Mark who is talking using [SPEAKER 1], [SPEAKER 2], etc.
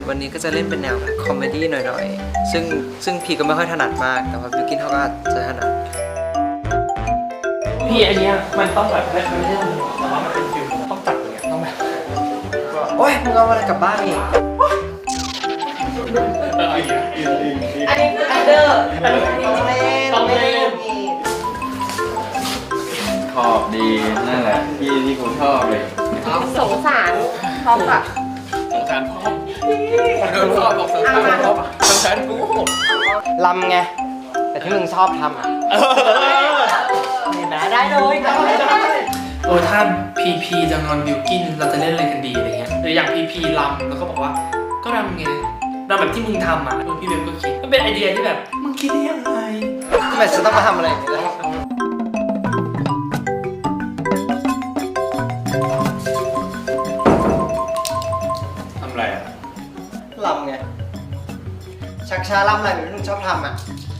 [SPEAKER 1] วันนี้ก็จะเล่นเป็นแนวแบบคอมเมดี้หน่อยๆซึ่งพี่ก็ไม่ค่อยถนัดมากแต่ว่าบิวกินเขาก็จะถนัด
[SPEAKER 2] พี่อันเนี้ยมันต้องแบบไม่ใช่แต่ว่ามันเป็นฟิลต้องจับอย่างเงี้ยต้องแบบ
[SPEAKER 1] โอ๊ยมึงเอาอะไรกลับบ้านอีก
[SPEAKER 2] อันนี้คืออันเดอร์
[SPEAKER 1] ต้องเล่น
[SPEAKER 3] ชอบดีนั่นแหละที่กูชอบเลย
[SPEAKER 4] สงสารท็อปอะ
[SPEAKER 2] สงสารพ่อชอบบอกสงสารพ่อสงสารกู
[SPEAKER 1] ลำไงแต่ที่มึงชอบทำอ่ะเห็นไหมได้เลย
[SPEAKER 2] ถ้าพีจะงอนบิวกินเราจะเล่นอะไรกันดีอะไรเงี้ยหรืออย่างพีรำแล้วก็บอกว่าก็รำไงรำแบบที่มึงทำอ่ะพี่เบลก็คิดมันเป็นไอเดียที่แบบมึงคิดได้ยังไง
[SPEAKER 1] ทำไมฉันต้องมาทำอะไรอย่างนี้ล่ะ
[SPEAKER 2] ทำอะไรอ่ะ
[SPEAKER 1] ลำไงชักช้าลำอะไรแบบที่มึงชอบทำอ่ะ